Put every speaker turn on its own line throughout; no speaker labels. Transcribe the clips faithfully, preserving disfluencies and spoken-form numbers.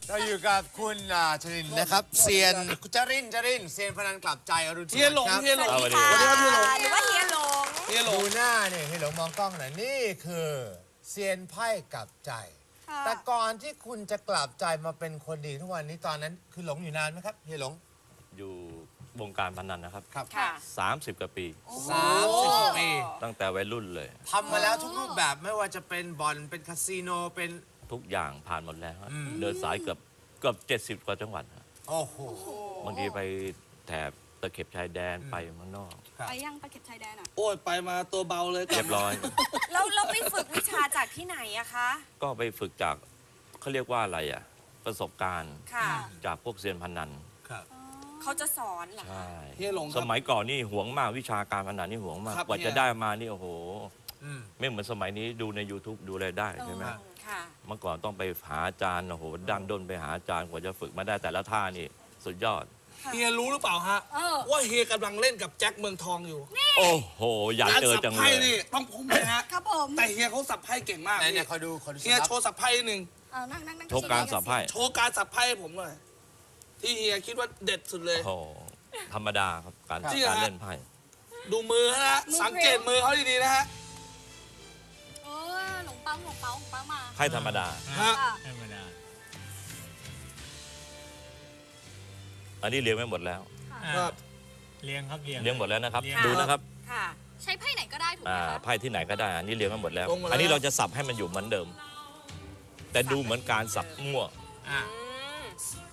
เราอยู่กับคุณชรินนะครับเซียนจรินจรินเซียนพนันกลับใจอรุณสวัสดิ์
เฮียหลง
ครับ
เฮียหลง
สวัสดีครับเฮียหลงหรือว่าเฮียหลง
เฮียหล
ดู
ง
หน้าเนี่ยเฮียหลงมองกล้องหน่อยนี่คือเซียนไพ่กลับใจ แต่ก่อนที่คุณจะกลับใจมาเป็นคนดีทุกวันนี้ตอนนั้นคือหลงอยู่นานไหมครับเฮียหลง
อยู่วงการพนันนะครับ
ครับ
ค่ะ
สามสิบกว่าปี
สามสิบปี
ตั้งแต่วัยรุ่นเลย
ทำมาแล้วทุกรูปแบบไม่ว่าจะเป็นบ่อนเป็นคาสิโนเป็น
ทุกอย่างผ่านหมดแล้วฮะ
อืม
เดินสายเกือบเกือบเจ็ดสิบกว่าจังหวัดฮะ
โอ้โห
บางทีไปแถบตะเข็บชายแดนไปเมืองนอก
ไปยังตะเข็บชายแดนอ่ะ
โอ้ยไปมาตัวเบาเลย
เรียบร้อย
แล้วเราไปฝึกวิชาจากที่ไหนอะคะ
ก็ไปฝึกจากเขาเรียกว่าอะไรอ่ะ ประสบการณ์
ค่ะ
จากพวกเซียนพนัน
ครับ
เขาจะสอนเหรอ
ใช่
เฮียหลงค
ส
รับ
มัยก่อนนี่หวงมากวิชาการพนันนี่หวงมาก
ครับ
กว่า
เฮีย
จะได้มานี่โอ้โห
อืม
ไม่เหมือนสมัยนี้ดูใน YouTube ดูอะไรได้ใช่ไหม
ค่ะ
เมื่อก่อนต้องไปหาอาจารย์โอ้โหดันด้นไปหาอาจารย์กว่าจะฝึกมาได้แต่ละท่านี่สุดยอด
เฮียรู้หรือเปล่าฮะ
เออ
ว่าเฮียกำลังเล่นกับแจ็คเมืองทองอยู่
โอ้โห อยาก
การ
เจอ
สับ
จังเล
ไพ่
ย
นี่ต้องพุ่มเลยฮะ
ครับผม
แต่เฮียเขาสับไพ่เก่งมาก
ไหนเนี่ยเขาดูเขาดู
เฮีย
สิครับ
โชว์สับไพ่นิดนึง
เอานั่งนั่งนั่ง
โชว์การสับไพ่
โชว์การสับไพ่ให้ผมหน่อยที่เฮียคิดว่าเด็ดสุดเลย
โอ้โหธรรมดาครับการ
จริงเหรอ
การเล่นไพ่
ดูมือนะฮะสังเกตมือเขาดีๆนะฮะ
เออหลงปังหลงเปาหลงปังมา
ไพ่ธรรมดา
ฮะ
ค่ะ
ธรรมดา
อันนี้เลี้ยงไว้หมดแล้ว
ครับ
เลี้ยงครับเลี้ยง
เลี้ยงหมดแล้วนะครับ
เลี้ยง
ดูนะครับ
ค่ะ ใช้ไพ่ไหนก็ได้ถูกไหม
อ่า
คะ
ไพ่ที่ไหนก็ได้ อันนี้เลี้ยงไว้หมดแล้ว
ลงมาแล้ว
อันนี้เราจะสับให้มันอยู่เหมือนเดิม แต่ดูเหมือนการสับมั่ว
อ่ะ
อืม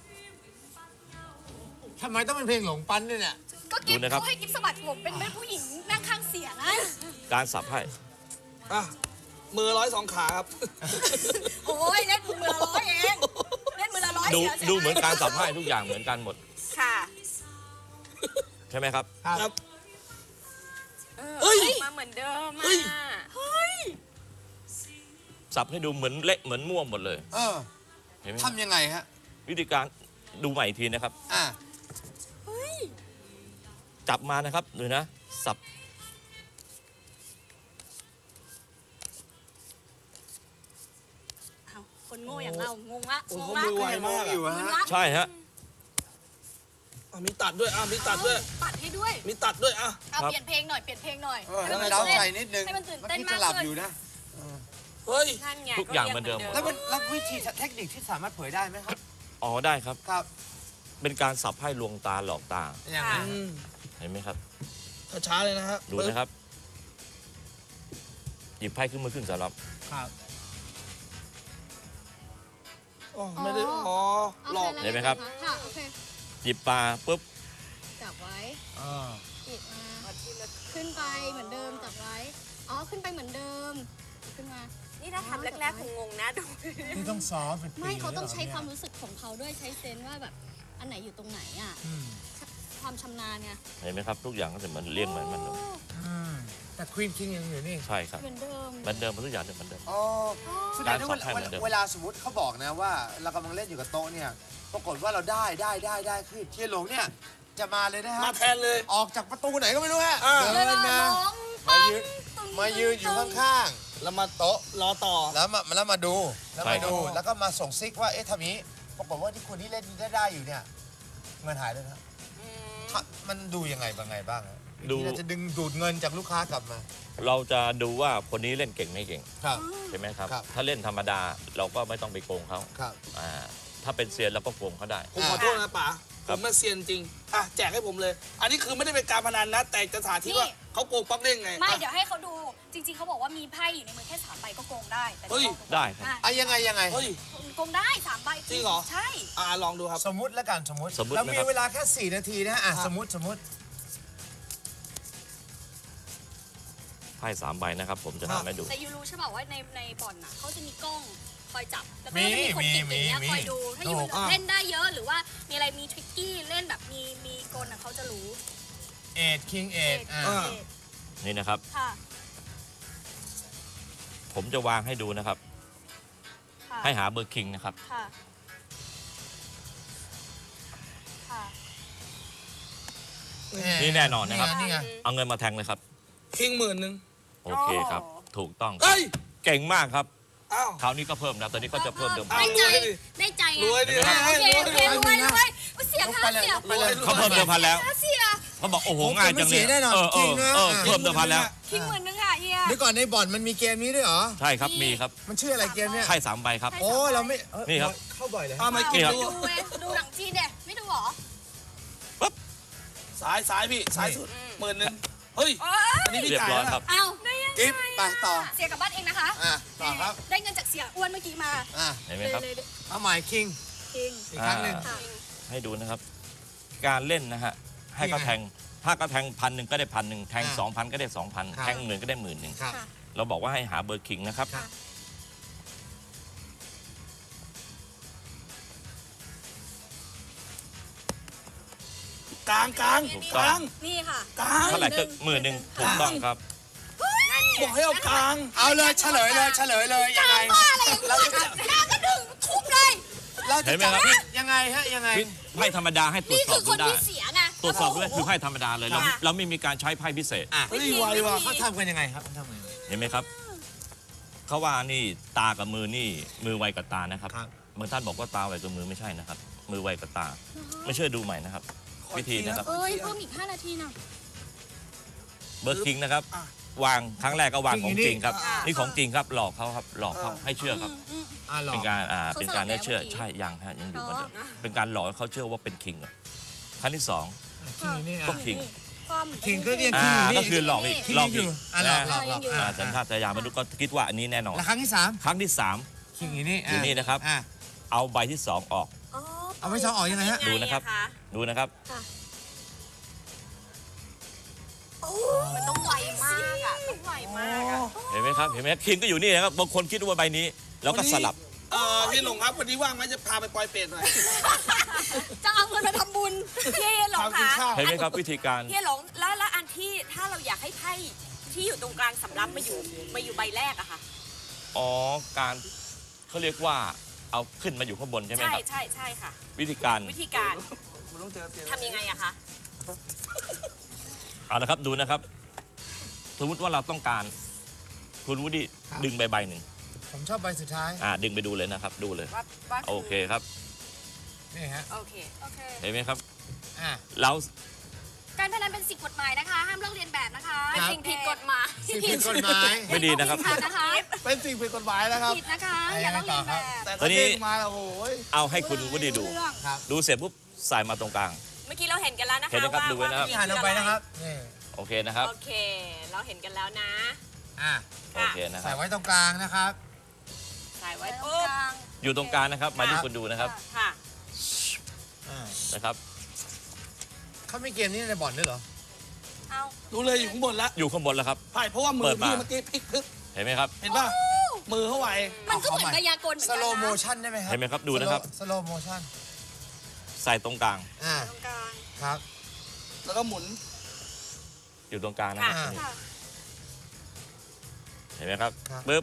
ทำไมต้องเป็นเพลงหลงปั้นด้วยเนี่ย
ก็กิ๊บ
ดูนะครับ
เขาให้กิ๊บสะบัดผมเป็นแม่ผู้หญิงนั่งข้างเสียงอะ
การสับไพ่
อ่ะมือร้อยสองขาครับ
โอ้ยเล่นมือละร้อยเองเล่นมือละร้อย
ดู
เสียใช่ไ
ดูเหมือนการสับไพ่ทุกอย่างเหมือนกันหมด
ค่ะ
ใช่ไหมครับ
ครับ
เออ
เฮ้ย
มาเหมือนเดิม
เฮ้ย
อ่ะ
สับให้ดูเหมือนเละเหมือนมั่วหมดเลย
เออ
เห็นไหม
ทำยังไงฮะ
วิธีการดูใหม่อีกทีนะครับ
อ่ะ
จับมานะครับดูนะ สับ
อ้าวคนโง่อย่างเรางงละ
โอ้
ง
โห
งละ
มือไวมาก
อยู่
อะ
ฮะ
งงละ
ใช่ฮะ
อ่ะมีตัดด้วยอ่ะมีตัดด้วย
ตัดให้ด้วย
มีตัดด้วยอ่ะ
เอา
ครับ
เปลี่ยนเพลงหน่อยเปลี่ยนเพลงหน่อย
เออให้มันเล้าใจนิดนึง
ให้มันตื่น
เมื่อ
เต้น
กี้
มา
จะ
ก
หลับ
ขึ้น
อยู่นะ
เฮ้ย
นั่นไง
ทุกอย่างเหมือนเดิม
แล้วมันแล้ววิธีเทคนิคที่สามารถเผยได้ไหมครับ
อ๋อได้ครับ
ครับ
เป็นการสับให้ลวงตาหลอกตา
อย่าง
ค่ะ
นั้น
อืม
เห็นไหมครับ
ช้าๆเลยนะฮะ
ดูนะครับ หยิบไพ่ขึ้นมือขึ้นสำหรับ
ครับ
อ๋อไม่ได้อ๋อหลอก
โอค
เห็นไหมครับ
ค่ะโอเค
หยิบปลาปุ๊บ
จับไว้
อ่า
อีกมาขึ้นไปเหมือนเดิมจับไว้อ๋อขึ้นไปเหมือนเดิมขึ้นมา
นี่ถ้าทำแรกๆคงงงนะดู
นี่ต้องซ้อมเป็นปี
ไม่เขาต้องใช้
ลยหร
ความ
นี่ย
รู้สึกของเขาด้วยใช้เซนส์ว่าแบบอันไหนอยู่ตรงไหนอ่ะ
อืม
ความชำนาญไง
เห็นไหมครับ ทุกอย่างก็จะเหมือนเลี้ยงเหมือนมันเดิม
อืมแต่ควีนคิงยังอยู่นี่
ใช่ครับ
เหมือนเดิม
เหมือนเดิมทุกอย่างเหมือนเดิม
อ๋อสุดท้ายแล้ว
การสับไพ่เหมือนเดิม
เวลาสมมติเขาบอกนะว่า เรากำลังเล่นอยู่กับโต๊ะเนี่ย ปรากฏว่าเราได้ได้ได้ได้ขึ้นเทียนหลงเนี่ย จะมาเลยนะฮะ
มาแทนเลย
ออกจากประตูไหนก็ไม่รู้ฮะ
อ่า
เดินมา
ร้อง
มายืนมายืนอยู่ข้าง
แล้วมาโต๊ะรอต่อ
ๆ แล้วมาแล้วมาดู แล้ว
ใช่
มา
ครับ
ดู แล้วก็มาส่งซิกว่า เอ๊ะทำนี้ ปรากฏว่าที่คนที่เล่นได้ได้อยู่เนี่ย เงินหายเลยนะถ้ามันดูยังไงบ้างไงบ้างฮะ
ดู
ที่เราจะดึงดูดเงินจากลูกค้ากลับมา
เราจะดูว่าคนนี้เล่นเก่งไม่เก่ง
ครับ
ใช่ไหมครับ
ครับ
ถ้าเล่นธรรมดาเราก็ไม่ต้องไปโกงเขา
ครับ
อ่าถ้าเป็นเซียนเราก็โกงเขาได้
ผมขอโทษนะป๋า
ค
ผ
รับ
มมาเซียนจริง อ่ะแจกให้ผมเลย อันนี้คือไม่ได้เป็นการพนันนะ แต่จะสาธิตว่าเขาโกงป๊อกเด้งไง
ไม่
อ่ะ
เดี๋ยวให้เขาดูจริงๆเขาบอกว่ามีไพ่อยู่ในมือแค่สามใบก็โกงได้แต่
เฮ้ย
ได้ครับ
อ่ะ
อ่ะยังไงยังไง
เฮ้ย
โกงได้สามใบ
จริงเหรอ
ใช่
อ่ะลองดูครับ
สมมุติแล้วกันสมมุติ
สมมุติ
เรา
นะ
มี
ครับ
เวลาแค่สี่นาทีนะอ่ะ
ครับ
สมมุติสมมุติ
ไพ่สามใบนะครับ ผมจะทำให้ดู
แต่ยูรู้ใช่ป่ะว่าในในบ่อนน่ะเขาจะมีกล้องคอยจับแล้วก็
มี
จะมีคนติด
มี
อย่างเงี้ย
มี
คอยดูถ้ายู
ถูกอ่ะ
เล่นได้เยอะหรือว่ามีอะไรมีทริกกี้เล่นแบบมีมีกลน่ะเขาจะรู้
เอ็ดคิงเอ็ดอ่ะ
อ่า
นี่นะครับ
ค่ะ
ผมจะวางให้ดูนะครับ
ค่ะ
ให้หาเบอร์คิงนะครับ
ค่ะค่ะ
นี่แน่นอนนะครับ
นี่ไง
เอาเงินมาแทงเลยครับ
คิงหมื่นหนึ่ง
โอเคครับ ถูกต้องครับ
เฮ้ย
เก่งมากครับ
อ้าว
คราวนี้ก็เพิ่มนะตอนนี้ก็จะเพิ่มเดิมพั
เอา
น
ได้ใจ
เลยดิ
ได้ใจ
ไง
รวยดิ
อ่ะโอ
ให้
เค
รวย
โอเครวยรวยอุ๊ยเสีย
ลง
ค่า
ไปเลย
เสีย
ลงไปเลย
เขาเพิ่มเดิมพันแล้ว
ค่าเสีย
เขาบอกโอ้โหง่ายจังเลย
ผมจะไม่เสียแน่นอน
เออ
จริงนะ
เออเพิ่มเดิมพันแล้ว
คิงหมื่นนึงค่ะเฮีย
เดี๋ยวก่อนในบ่อนมันมีเกมนี้ด้วยเหรอ
ใช่ครับมีครับ
มันชื่ออะไรเกมเนี่ย
ไพ่สามใบครับ
โอ้เราไม่เอ้ย
นี่ครับ
เข้าบ่อยเลย
เอามากิน
นี่ครับ
ดู
ดูไงดูหนังจีนเด็ไม่ดูเหรอ
สายสายพี่สายสุดหมื่นหนึ่งเฮ้ย
เออ
อันนี้พี่
เรียบ
จ่าย
ร้อย
แล้ว
ครับ
เอาได้ยัง
กิ๊บ
ไง
ไปต่อ
เสียกลับบ้านเองนะคะ
อ่ะต่อครับ
ได้เงินจากเสียอ้วนเมื่อกี้มา
อ่ะ
เห็นไหมครับ
เลยเลย
เอาใหม่คิง
คิง
อีกครั้งหนึ่ง
อ่า ให้ดูนะครับ การเล่นนะฮะให้เขาแทงถ้าก็แทงพันหนึ่งก็ได้พันหนึ่งแทง
อ่า
สองพันก็ได้สองพัน
ครับ
แทงหมื่นก็ได้หมื่นหนึ่ง
ครับ
ค่ะ
เราบอกว่าให้หาเบอร์คิงนะครับ
ครับ
กลางกลาง
ถูก
ก
ต้อง
ลาง
นี่ค่ะ
กลาง
เท่าไหร่ก็หมื่นหนึ่งถูกต้องครับ
บอกให้เอากลาง
เอาเลยเฉลยเลยเฉลยเลยยังไง
บ้าอะไรอย่างนี้ค่ะหน้าก็ดึงทุบเลย
เรา
เห็
จะ
นไหม
จับ
ครับ
ผิดยังไงฮะยังไง
ไพ่ธรรมดาให้ตรว
นี่
จสอ
คื
บ
อค
ดู
น
ได้
ที่เสียไง
ตรวจสอบด้วยคือไพ่ธรรมดาเลยเรา
ค่ะ
เราไม่มีการใช้ไพ่พิเศษ
อ่ะ
เฮ้ยไวว่ะ
เขาทำกันยังไงครับเขาทำกันยังไง
เห็นไหมครับเขาว่านี่ตากับมือนี่มือไวกับตานะครับ
ครับ
บางท่านบอกว่าตาไวกับมือไม่ใช่นะครับ มือไวกับตา ไม่เชื่อดูใหม่นะครับ วิธีนะครับ
เอ้ยเพิ่มอีกห้านาทีนะ
เบอร์คิงนะครับ
อ่ะ
วางครั้งแรกก็วางของจริงครับ
อ่า
นี่ของจริงครับหลอกเขาครับหลอกเขาให้เชื่อครับ
อ่ะหลอ
เป็
ก
นการอ่า
เขา
เป็นการ
สลับแล้ว
ให้เชื่อ
เมื่อกี้
ใช่ยังฮะยังอยู่เหมือนเดิม
อ๋อ
เป็นการหลอกให้เขาเชื่อว่าเป็นคิงอะครั้งที่สอง
คิงอยู่นี่
ก็
อ่ะ
คิง
ความ
คิงก็เรียก
อ่า
คิงอยู่นี่
ก็คือหลอกอีก
คิง
หลอก
อยู่
อีก
อ่ะหลอก
นะ
หลอกหลอกอ่ะ
อ่าสัญชาตญาณมนุษย์ก็คิดว่าอันนี้แน่นอน
แล้วครั้งที่สาม
ครั้งที่สาม
คิงอยู่นี่
อยู่นี่นะครับ
อ่ะ
เอาใบที่สองออก
อ๋อ
เอาไม่ชอบออกยังไงฮะ
ดูนะครับ ดูนะครับ
มันต้องไวมากอ่ะต้องไวมากอ่ะ
เห็นไหมครับ เห็นไหมคิงก็อยู่นี่นะครับ บางคนคิดว่าใบนี้ แล้วก็สลับ
เออพี่หลงครับวันนี้ว่างไหมจะพาไปปล่อยเป็ดหน่อย
จะเอาเงินมาทำบุญ
พี่หลง
พากิน
คะ
ข้าว
เห็นไหมครับวิธีการ
พี่หลงแล้วแล้วอันที่ถ้าเราอยากให้ไพ่ที่อยู่ตรงกลางสำรับมาอยู่มาอยู่ใบแรกอะค่ะ
อ๋อ การเขาเรียกว่าเอาขึ้นมาอยู่ข้างบนใช่ไหม
ใช่
ครับ
ใช่ใช่ค่ะ
วิธีการ
วิธีการ
คุณต้องเจอเตียง
ทำยังไงอะคะ
เอาละครับดูนะครับ สมมติว่าเราต้องการ คุณวุฒิดึงใบใบหนึ่ง
ผมชอบใบสุดท้าย
อ่าดึงไปดูเลยนะครับ ดูเลย
ว่าว่า
โอเคครับ
นี่ฮะ
โอเค
โอเค
เห็นไหมครับ
อ่ะ
เรา
การพนันเป็นสิ่งกฎหมายนะคะ ห้ามลอกเลียนแบบนะคะ
ครับ
สิ่งผิดกฎหมาย
สิ่งผิดกฎหมาย
ไม่ดีนะครับ
ผิดนะคะ
เป็นสิ่งผิดกฎหมายนะครับ
ผิดนะคะ อย่าลอกเลียนแบบ
แต่
ตอ
ถ้าน
นี้
เด้งมาแล้วโอ้ย
เอาให้คุณวุฒิดู
ครับ
ดูเสร็จปุ๊บใส่มาตรงกลาง
เมื่อกี้เราเห็นกันแล้วนะคะ
เห็นนะครับ
ว่า
ดูไว้นะครับ
นี่หันออกไปนะครับนี่
โอเคนะครับ
โอเค เราเห็นกันแล้วนะ
อ่ะ
โอเคนะค
ใส่
รับ
ไว้ตรงกลางนะครับ
ใส่ไว้
ไว้ตรง
ปุ๊บ
กลาง
อยู่ตรงกลางนะครับ มาที่คุณดูนะครับ
ค่ะ
อ่า
นะครับ
เขามีเกมนี้ในบ่อนด้วยเหรอ
เอา
ดูเลยอยู่ข้างบนแล้ว
อยู่ข้างบนแล้วครับ
ใช่เพราะว่ามื
เปิ
อ
ดมา
พี่เมื่อกี้พลิกพึก
เห็นไหมครับ
เห็นป่ะมือเขาไว
มันก็เหมือนกายากลเหมือน
ส
กัน
โลโม
นะ
ชั่นได้ไหมครับ
เห็นไหมครับดูนะครับ
สโลโมชั่น
ใส่ตรงกลาง
อ่า
ตรงกลาง
ครับ
แล้วก็หมุน
อยู่ตรงกลางนะครับ
อ่า
นี่
ค่ะ
เห็นไหมครับ
ครับ
ปึ๊บ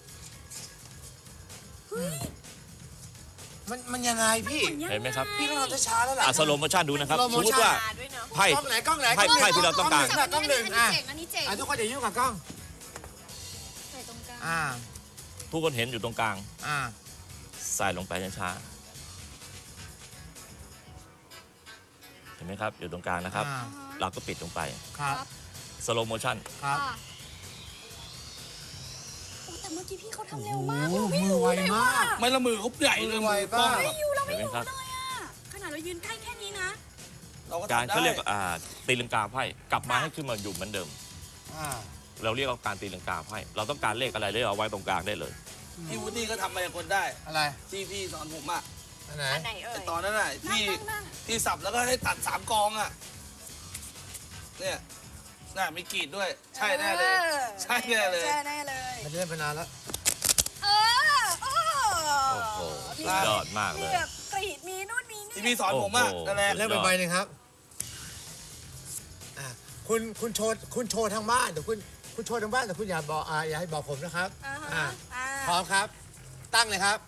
มันมันยังไงพี่
เห็นไหมครับ
พี่ต้องทำช้าๆแล้วล่ะ
อ่ะสโลโมชั่นดูนะครับ
slow
สมมติว่า
มาด้วยเนาะ
ไพ่
กล้องไหนกล้องไหน
ไพ่
กล้องหนึ่
ไพ่ที่เราต้องการ
กล้องหนึ่ง
อัน
อ่ะ
นี้เจ๋งอันนี้เจ๋ง
อ่ะทุกคนอย่ายุ่งกับกล้อง
ใส่ตรงกลาง
อ่า
ทุกคนเห็นอยู่ตรงกลาง
อ่า
ใส่ลงไปช้าๆเห็นไหมครับ อยู่ตรงกลางนะครับ
อ่า
เราก็ปิดลงไป
ครับ
สโลโมชั่น
ครับ
ค่ะโอ้แต่เมื่อกี้พี่เขาทำเร็วมาก
โอ้
เรา
โห
ไม่
มือ
รู้
ไว
เลย
มา
ว่าก
ไม่ละมือเขาใหญ่เลย
มือไว
มือกล้อง
มาก
อะ
อยู่เราไม่
เห็นไหม
รู้
ครับ
เลยอ่ะขนาดเรายืนใกล้แค่นี้นะ
เราก็
การ
ทำได้
เขาเรียกว่าอ่าตีลังกาไพ่กลับมาให้ขึ้นมาอยู่เหมือนเดิม
อ่า
เราเรียกว่าการตีลังกาไพ่เราต้องการเลขอะไรเลยเอาไว้ตรงกลางได้เลย
พี่วูดดี้ก็ทำมายากลได้
อะไร
ที่พี่สอนผมอ่ะ
อันไหน
อันไหนเอ่
ไอ้
ย
ตอนนั้นน่ะที่
นั่ง
ที่สับแล้วก็ให้ตัดสามกองอ่ะเนี่ยน่ะมีกรีดด้วย ใช่แน่เลย ใช่แน่เลย
ใช่แน่เลย
ไม่ได้เล่นไปนานแล้ว
เออโอ้
โอ้โหสุดยอดมากเลย
แบบกรีดมีนู่นมีนี่
ที่พี่สอนผมอ่ะ
โอ้โห
นั่นแหละ
เล่นไปใบหนึ่งครับอ่ะคุณคุณโชว์คุณโชว์ทางบ้านเดี๋ยวคุณคุณโชว์ทางบ้านแต่คุณอย่าบอกอ่าอย่าให้บอกผมนะครับ
อ่า
อ่า
ฮะอ่า
พร้อมครับ ตั้งเลยครับ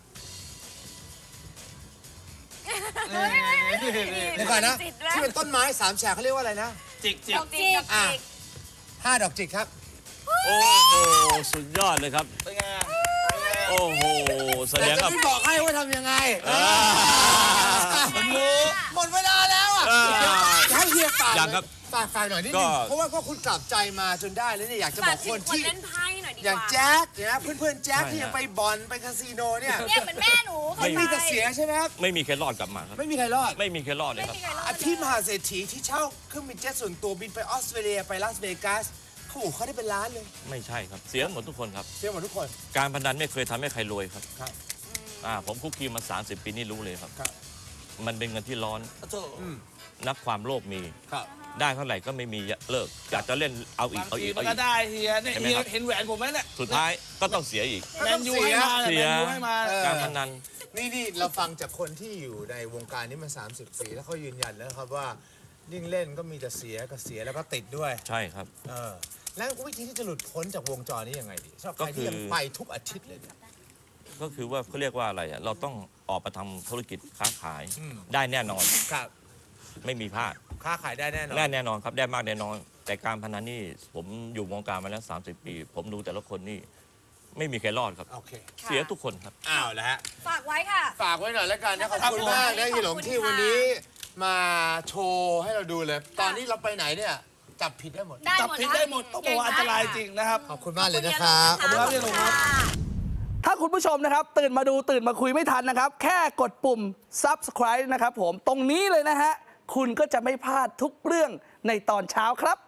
นี่นี่นี่
เดี๋ยวก่อนนะ
จิตแล้ว
ที่เป็นต้นไม้สามแฉกเขาเรียกว่าอะไรนะ
จิกจิ
ด
ก
อกจิก
อ่ะห้าดอกจิกครับ
โอ้โหสุดยอดเลยครับ
เป็นไงอ่ะเป็นไง
โอ้โอ้โหแส
แต่
ดง
จะ
ว่า
ไม่บอกให้ว่าทำยังไง
อ่า
มันรู้
หมดเวลาแล้วอ่ะ
อ่า
ให้เฮียฝาก
ยังครับ
ฝากฝากหน่อยนิด
ก็
นึงเพราะว่าก็คุณกลับใจมาจนได้แล้วเนี่ยอยากจะบ
ฝา
อก ก
ถึ
ค
ง
น
คน
ที่
เล่นไพ่หน่อยดีกว่า
อย่างแจ๊คเนี่ยนะเพื่อนๆแจ๊ค
ใช่
ที่ยัง
ฮะ
ไปบอลไปคาสิโนเนี่ย
เนี่ยเหมือนแม่หนูเค
ไม่
ย
มี
ไป
แต่เสียใช่ไหมครับ
ไม่มีใครรอดกลับมาครับ
ไม่มีใครรอด
ไม่มีใครรอดเลย
ไม่
ครับ
มีใครรอด
อาที่มหาเศรษฐีที่เช่าเครื่องบินเจ็ตส่วนตัวบินไปออสเตรเลียไปลาสเวกัสเขาบอกเขาได้เป็นล้านเลย
ไม่ใช่ครับ เสียหมดทุกคนครับ
เสียหมดทุกคน
การพนันไม่เคยทำให้ใครรวยครับ
ครับ
อ่าผมคุกคีมา สามสิบ ปีนี่รู้เลยครับ
ครับ
มันเป็นเงินที่ร้อน
โถ่
อืม
นับความโลภมี
ครับ
ได้เท่าไหร่ก็ไม่มีเลิกอยากจะเล่นเอาอี
บาก ง
เอา
ที
อีก
มั
เอา
น
อี
ก็
ก
ได้เฮียเนี่ย
เห็นไหม
เฮีย
ครับ
เห็นแหวนผมไหมเนี่ย
สุดท้ายก็ต้องเสียอีก
แมนยูให้มา
เสี
แม
ย
นยูให้มา
เออ
การพนัน
นี่นี่เราฟังจากคนที่อยู่ในวงการนี้มา สามสิบ ปีแล้วเขายืนยันแล้วครับว่ายิ่งเล่นก็มีแต่เสียก็เสียแล้วก็ติดด้วย
ใช่ครับ
เออแล้ววิธีที่จะหลุดพ้นจากวงจรนี้ยังไงดีสำหรับใคร
ก็คือ
ที่ยังไปทุกอาทิตย์เลยเนี่ย
ก็คือว่าเขาเรียกว่าอะไรอ่ะเราต้องออกมาทำธุรกิจค้าขาย
อืม
ได้แน่นอน
ครับ
ไม่มีพลาด
ค้าขายได้แน่นอน
แน่แน่นอนครับได้มากแน่นอน แต่การพนันนี่ผมอยู่วงการมาแล้ว สามสิบ ปี ผมดูแต่ละคนนี่ไม่มีใครรอดครับ
โอเค
เสียทุกคนครับ
อ้าวแล้วฮะ
ฝากไว้ค่ะ
ฝากไว้หน่อยแล้วกันนะขอบคุณ
ครับ
มากนะ
ขอบคุณ
ฮีหลง
ค่ะ
ที่วันนี้มาโชว์ให้เราดูเลย ตอนนี้เราไปไหนเนี่ยจับผิดได้หมด
ได้
จับ
หมด
ผิด
นะ
ได้หมดต้องบอกว่าอันตรายจริงนะครับ
ขอบคุณมากเลยนะครับ
ขอบคุณครับพี่หนุ่มครับ
ถ้าคุณผู้ชมนะครับ ตื่นมาดูตื่นมาคุยไม่ทันนะครับ แค่กดปุ่ม subscribe นะครับผมตรงนี้เลยนะฮะ คุณก็จะไม่พลาดทุกเรื่องในตอนเช้าครับ